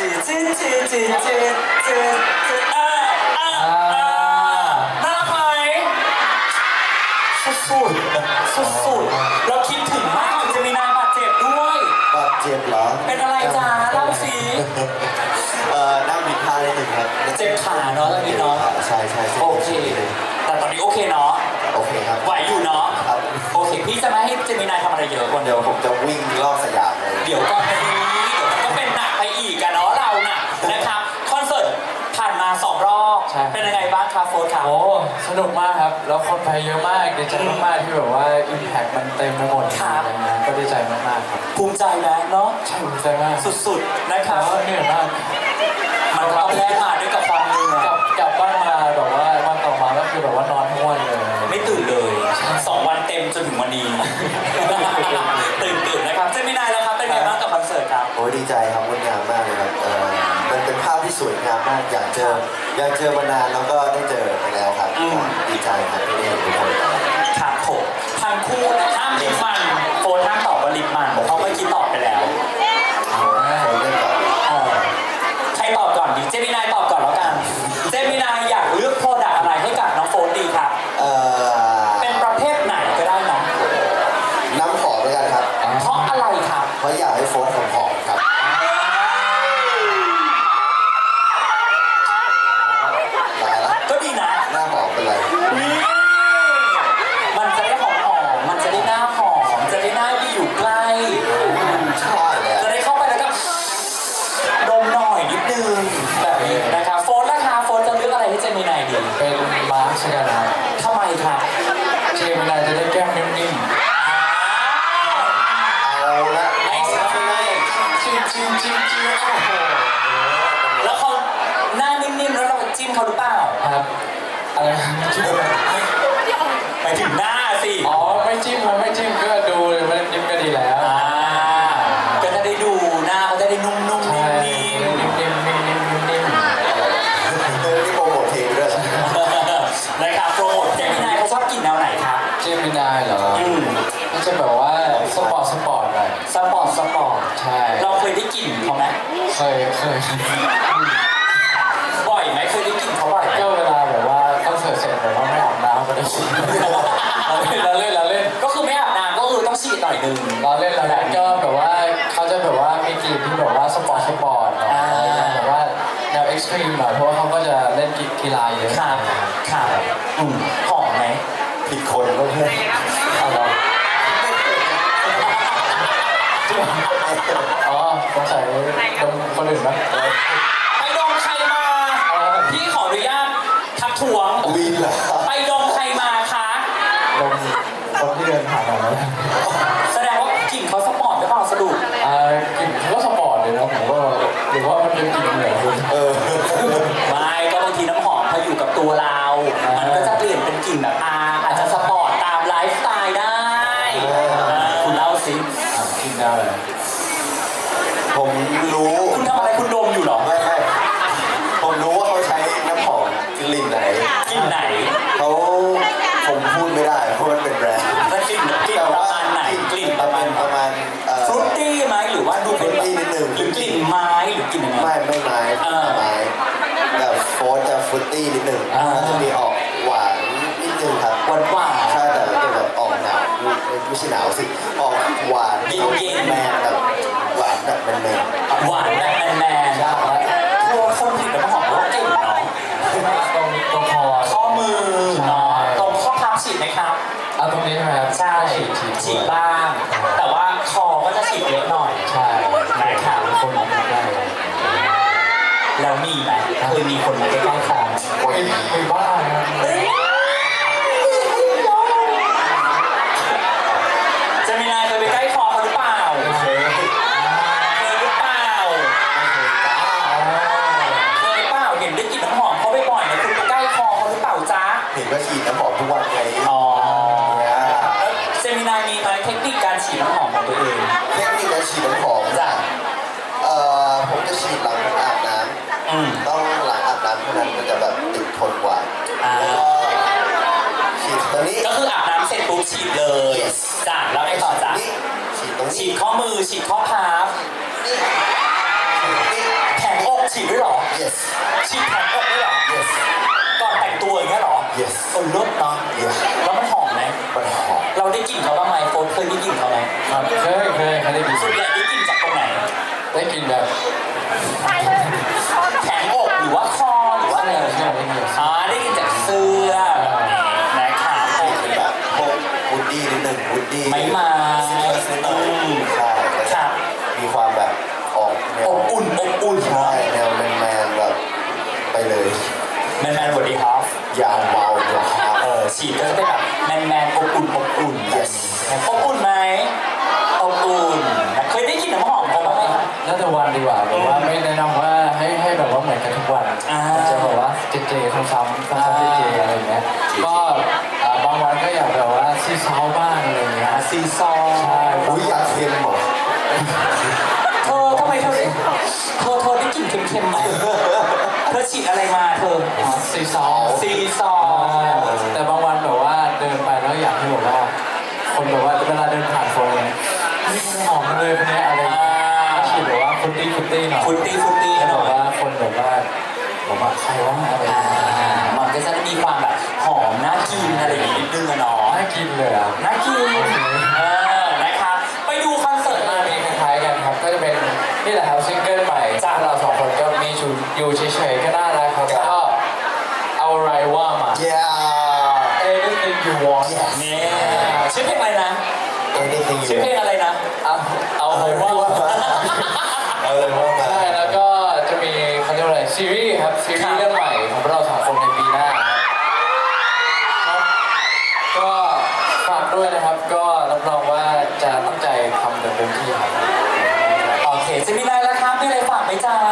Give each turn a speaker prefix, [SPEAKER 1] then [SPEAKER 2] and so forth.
[SPEAKER 1] น่าไหมสุดเราคิดถึงมากจะมีนายบาดเจ็บด้วย
[SPEAKER 2] บาดเจ็บเหรอ
[SPEAKER 1] เป็นอะไรจ้าเล่าสิ
[SPEAKER 2] นั่งบิดพลาดนิดหนึ่งครับ
[SPEAKER 1] เจ็บขาเนาะตอนนี้เนาะ
[SPEAKER 2] ใช่
[SPEAKER 1] โอเคแต่ตอนนี้โอเคเนาะ
[SPEAKER 2] โอเคครับ
[SPEAKER 1] ไหวอยู่เนาะ
[SPEAKER 2] ครับ
[SPEAKER 1] โอเคพี่จะไม่ให้เจมินายทำอะไรเยอะกว่า
[SPEAKER 2] เดี๋ยวผมจะวิ่งรอบสยามเลย
[SPEAKER 1] เดี๋ยวก่อนนี้เดี๋ยวมันก็เป็นหนักไปอีกกันเนาะเราน่ะนะครับคอนเสิร์ตผ่านมา2 รอบเป็นยังไงบ้างครับโฟร์ครับ
[SPEAKER 3] โอ้สนุกมากครับแล้วคนไปเยอะมากดีใจมากๆที่แบบว่าอิมแพคมันเต็มไปหมดอะไรเงี้ยก็ดีใจมากๆครับ
[SPEAKER 1] ภูมิใจนะเนาะ
[SPEAKER 3] ใช่ภูมิใจมาก
[SPEAKER 1] สุดๆนะครับ
[SPEAKER 3] เหนื่อยมาก
[SPEAKER 1] มันต้องแลกมาด้วยกับความเหนื่อย
[SPEAKER 3] กลับบ้านมาแบบว่าวันต่อมาก็คือแบบว่านอนทั้งวันเลย
[SPEAKER 1] ไม่ตื่นเลย2 วันเต็มจนถึงวันนี้ตื่นนะครับเจมินายแล้วครับเป็นไงบ้างกับคอนเสิร์ตครับ
[SPEAKER 2] โอ้ดีใจครับงดงามมากเลยครับมันเป็นภาพที่สวยงามมากอยากเจอมานานแล้วก็ได้เจอไปแล้วครับดีใจครับที่ได้เห็นทุกคน
[SPEAKER 1] ครับผมทั้งคู่ห้ามลิปมันโฟนห้ามตอบว่าลิปมันเพราะเมื่อกี้ตอบไปแล้วใครตอบก่อนดีเจมินายตอบก่อนแล้วกันเจมินายอยากเลือกโปรดักต์อะไรให้กับน้องโฟนดีครับเป็นประเภทไหนก็ได้นะ
[SPEAKER 2] น้ำหอมด้วยกันครับ
[SPEAKER 1] เพราะอะไรครับ
[SPEAKER 2] เพราะอยากให้โฟนหอมครับ
[SPEAKER 1] ก็ดีนะ
[SPEAKER 2] หน้าหอมเป็นไร
[SPEAKER 1] มันจะได้หอมมันจะได้หน้าหอมจะได้หน้าที่อยู่ใกล้
[SPEAKER 2] ใช่เลย
[SPEAKER 1] จะได้เข้าไปแล้วก็ดมหน่อยนิดนึงแบบนี้นะครับโฟนนะคะโฟนจะเลือกอะไรให้เจมินายดี
[SPEAKER 3] เป็นมาร์ชกันนะ
[SPEAKER 1] ทำไมครับ
[SPEAKER 3] เจมินายจะได้แก้มนิ่ม
[SPEAKER 2] เอาละ
[SPEAKER 1] ไม่ใช่
[SPEAKER 3] จิ้มโอ้โห
[SPEAKER 1] แล้วเขาหน้านิ่มๆแล้วเราจิ้มเขาหรือเปล่า
[SPEAKER 3] ครับอะไรจิ้ม
[SPEAKER 1] ไปถึงหน้าสิ
[SPEAKER 3] อ๋อไม่จิ้มก็ดูเลยไม่จิ้มก็ดีแล้ว
[SPEAKER 1] ก็จะได้ดูหน้าเขาจะได้นุ่มๆนิ่ม
[SPEAKER 2] นี่โปรโมทเพลงด้วย
[SPEAKER 1] นะครับโปรโมทเจมินายเขาชอบกินแนวไหนครับ
[SPEAKER 3] เจมินายเหรอก็จะแบบว่าสปอร์ตหน่อย
[SPEAKER 1] สปอร์ต
[SPEAKER 3] ใช่
[SPEAKER 1] เราเคยได้กลิ่นเขาไหม
[SPEAKER 3] เคย
[SPEAKER 1] บ่อยไหมเคยได้กลิ่นเขาบ่อย
[SPEAKER 3] ก็เวลาแบบว่าคอนเสิร์ตเสร็จแบบว่าไม่อาบน้ำก็ได้ฉีดเราเล่น
[SPEAKER 1] ก็คือไม่อาบน้ำก็คือต้องฉีดหน่อยนึง
[SPEAKER 3] เราเล่นก็แบบว่าเขาจะแบบว่ามีกลิ่นที่แบบว่าสปอร์ตแบบว่าแนวเอ็กซ์ตรีมหน่อยเพราะว่าเขาก็จะเล่นกีฬาเยอะ
[SPEAKER 1] ครับหอมไหม
[SPEAKER 2] ผิดคนก็เพื่อน
[SPEAKER 3] เอาหรออ๋อสงสัยดมคนอื่นไหม
[SPEAKER 1] ไปดมใครมาพี่ขออนุญาตทักท้วง
[SPEAKER 2] วีนเหรอ
[SPEAKER 1] ไปดมใครมาคะ
[SPEAKER 3] ดมคนที่เดินผ่านมาแล้ว
[SPEAKER 1] แสดงว่ากลิ่นเขาสปอร์ตหรือเปล่าสรุป
[SPEAKER 3] กลิ่นเขาก็สปอร์ตเลยนะผมว่าหรือว่ามันเป็นกลิ่นเหนือคุณ
[SPEAKER 1] ไม่ก็บางทีน้ำหอมพออยู่กับตัวเรามันก็จะเปลี่ยนเป็นกลิ่นแบบอาจจะสปอร์ตตามไลฟ์สไตล์ได้คุณเล่าสิ
[SPEAKER 3] กินได้
[SPEAKER 2] ผมรู้
[SPEAKER 1] คุณทำอะไรคุณดมอยู่หรอ
[SPEAKER 2] ไม่ผมรู้ว่าเขาใช้น้ำหอมกลิ่นไหนผมพูดไม่ได้เพราะมันเป็นแบรนด์
[SPEAKER 1] กลิ่นประมาณไหนกลิ่นประมาณ
[SPEAKER 2] ฟ
[SPEAKER 1] รุตตี้ไหมหรือว่าดูเป็น
[SPEAKER 2] นิดนึง
[SPEAKER 1] หรือกลิ่นไม้หรือกลิ่นยังไง
[SPEAKER 2] ไม่ไม้แต่โฟร์จะฟรุตตี้นิดนึงจะมีออกหวานนิดนึงครับ
[SPEAKER 1] หวาน
[SPEAKER 2] ใช่แต่จะแบบออกหนาวไม่ใช่หนาวสิออกหวาน
[SPEAKER 1] เย็น
[SPEAKER 2] แมนแบบหวานแบบแมน
[SPEAKER 1] หวานแบบแมนตัวคนผิดน้ำหอมก็เก่งเนาะ
[SPEAKER 3] ตรง
[SPEAKER 1] ข้อมือเนาะตรงข้อพับฉีดไหมครับ
[SPEAKER 3] เอาตรงนี้ใช่ไหมครับ
[SPEAKER 1] ใช่ฉีดบ้างแต่ว่าคอก็จะฉีดเยอะหน่อย
[SPEAKER 3] ใช่
[SPEAKER 1] นะครับ
[SPEAKER 3] คนมองได้
[SPEAKER 1] แล้วมีไหมเคยมีคนมาใกล้ๆคอ
[SPEAKER 3] มีบ้าง
[SPEAKER 1] จะมีนายเคยไปใกล้คอเขาหรือเปล่าเคยหรือเปล่าเห็นได้กลิ่นน้ำหอมเขาบ่อยๆนะคุณไปใกล้คอเขาหรือเปล่าจ๊ะ
[SPEAKER 2] เห็นว่าฉีดน้ำหอมทุกวันไง
[SPEAKER 1] เซมินามีไหมเทคนิคการฉีดน้ำหอมของตัวเอง
[SPEAKER 2] เทคนิคการฉีดน้ำหอม
[SPEAKER 1] จ้ะ
[SPEAKER 2] ผมจะฉีดหลังอาบน้ำต้องหลังอาบน้ำเท่านั้นมันจะแบบติดทนกว่าฉีดตอนนี้
[SPEAKER 1] ก็คืออาบน้ำเสร็จปุ๊บฉีดเลยจ้ะแล้วไงต่อจ้ะ
[SPEAKER 2] ฉีดตรงนี้
[SPEAKER 1] ฉีดข้อมือฉีดข้อพับแขนฉีดด้วยเหรอ
[SPEAKER 2] yes
[SPEAKER 1] ฉีดแผงอกด้วยเหรอ
[SPEAKER 2] yes
[SPEAKER 1] ก่อนแต่งตัวอย่างเงี้ยเหรอ
[SPEAKER 2] yes
[SPEAKER 1] คนลดเนาะ
[SPEAKER 2] yes
[SPEAKER 1] แล้วมันหอมไหม
[SPEAKER 2] มันหอม
[SPEAKER 1] เราได้กลิ่นเขาบ้างไหมโฟนเคยได้กลิ่นเขาไหม
[SPEAKER 3] ครับเคยได้กิน
[SPEAKER 1] ส่วนใหญ่ได้กลิ่นจากตรงไหน
[SPEAKER 3] ได้กินแบบ
[SPEAKER 1] แผงอกหรือว่าคอหรือว่าอะไร
[SPEAKER 3] ใช่ได้กิน
[SPEAKER 1] ได้กลิ่นจากเสื้อนะครับ
[SPEAKER 2] เป็นแบบพวกวูดดี้นิดหนึ่งวูดดี้
[SPEAKER 1] ไม้ไม้
[SPEAKER 2] ซิตรัสนิดหน่อยใช่แล้ว
[SPEAKER 1] ค
[SPEAKER 2] ก็
[SPEAKER 1] รับ
[SPEAKER 2] มีความแบบออกแน
[SPEAKER 1] อ
[SPEAKER 2] ว
[SPEAKER 1] บอุ่นอบอุ่น
[SPEAKER 2] ใช่แนวแมนๆแบบไปเลย
[SPEAKER 1] แมนแมนสวัสดีครับ
[SPEAKER 2] ยาวเบาเดี๋ยวครับ
[SPEAKER 1] ฉีดก็จะเป็นแบบแมนแมนอบอุ่นอบอุ่น
[SPEAKER 2] yes
[SPEAKER 1] อบอุ่นไหมอบอุ่นเคยได้กลิ่นน้ำหอมเขาบ้างไหมครับ
[SPEAKER 3] น่าจะวันดีกว่าแบบว่าไม่แนะนำว่าให้แบบว่าเหมือนกันทุกวัน
[SPEAKER 1] อ่า
[SPEAKER 3] จะแบบว่าเจซ้ำๆเจอะไรอย่างเงี้ยก็บางวันก็อยากแบบว่าซีซาวบ้างอะไรอย่างเงี้ย
[SPEAKER 1] ซีซอ
[SPEAKER 3] ใช่
[SPEAKER 2] อุ้ยอยากเค็มเหรอ
[SPEAKER 1] เธอทำไมเธอได้กลิ่นเค็มๆมาเธอฉีดอะไรมาเธอ
[SPEAKER 3] ซีซาว
[SPEAKER 1] ซีซอ
[SPEAKER 3] แต่บางวันแบบว่าเดินไปแล้วอยากให้แบบว่าคนแบบว่าเวลาเดินผ่านคนเลยนี่หอมเลยคนนี้อะไรอย่างเงี้ยฉีดแบบว่าฟุตตี้หน่อย
[SPEAKER 1] ฟุตตี้
[SPEAKER 3] แบ
[SPEAKER 1] หน่
[SPEAKER 3] บ
[SPEAKER 1] อย
[SPEAKER 3] ว่าคนแบบว่าผมว่าใครว่าอะไรอย่างเงี้ย
[SPEAKER 1] มันก็จะมีความแบบหอมน่ากินอะไรอย่างนี้นิดนึงอะเนาะ
[SPEAKER 3] น่ากินเลยอ่ะ
[SPEAKER 1] น่ากินนะครับ ไปดูคอนเสิร์ต
[SPEAKER 3] มา
[SPEAKER 1] มา
[SPEAKER 3] มีคล้ายๆกันครับ ก็จะเป็นนี่แหละครับซิงเกิลใหม่จากเราสองคนก็มีอยู่เฉยๆก็น่ารักครับก็เอาอะไรว่ามา
[SPEAKER 2] yeah
[SPEAKER 3] anything you want
[SPEAKER 1] เนี่ยชื่อเพลงอะไรนะ
[SPEAKER 2] anything
[SPEAKER 1] ชื่อ
[SPEAKER 2] you
[SPEAKER 1] เพลงอะไรนะ
[SPEAKER 3] เอาอะไรว่ามา
[SPEAKER 2] เอาเลยว่ามา
[SPEAKER 3] ใช่แล้วก็จะมีเขาเรียกว่าอะไรซีรีส์ครับซีรีส์เรื่องใหม่ของเราสองคนในปีหน้าครับก็ฝากด้วยนะครับก็รับรองว่าจะตั้งใจทำเต็มที่ครับ
[SPEAKER 1] โอเคจะมีอะไรแล้วครับมีอะไรฝากไหมจ๊ะ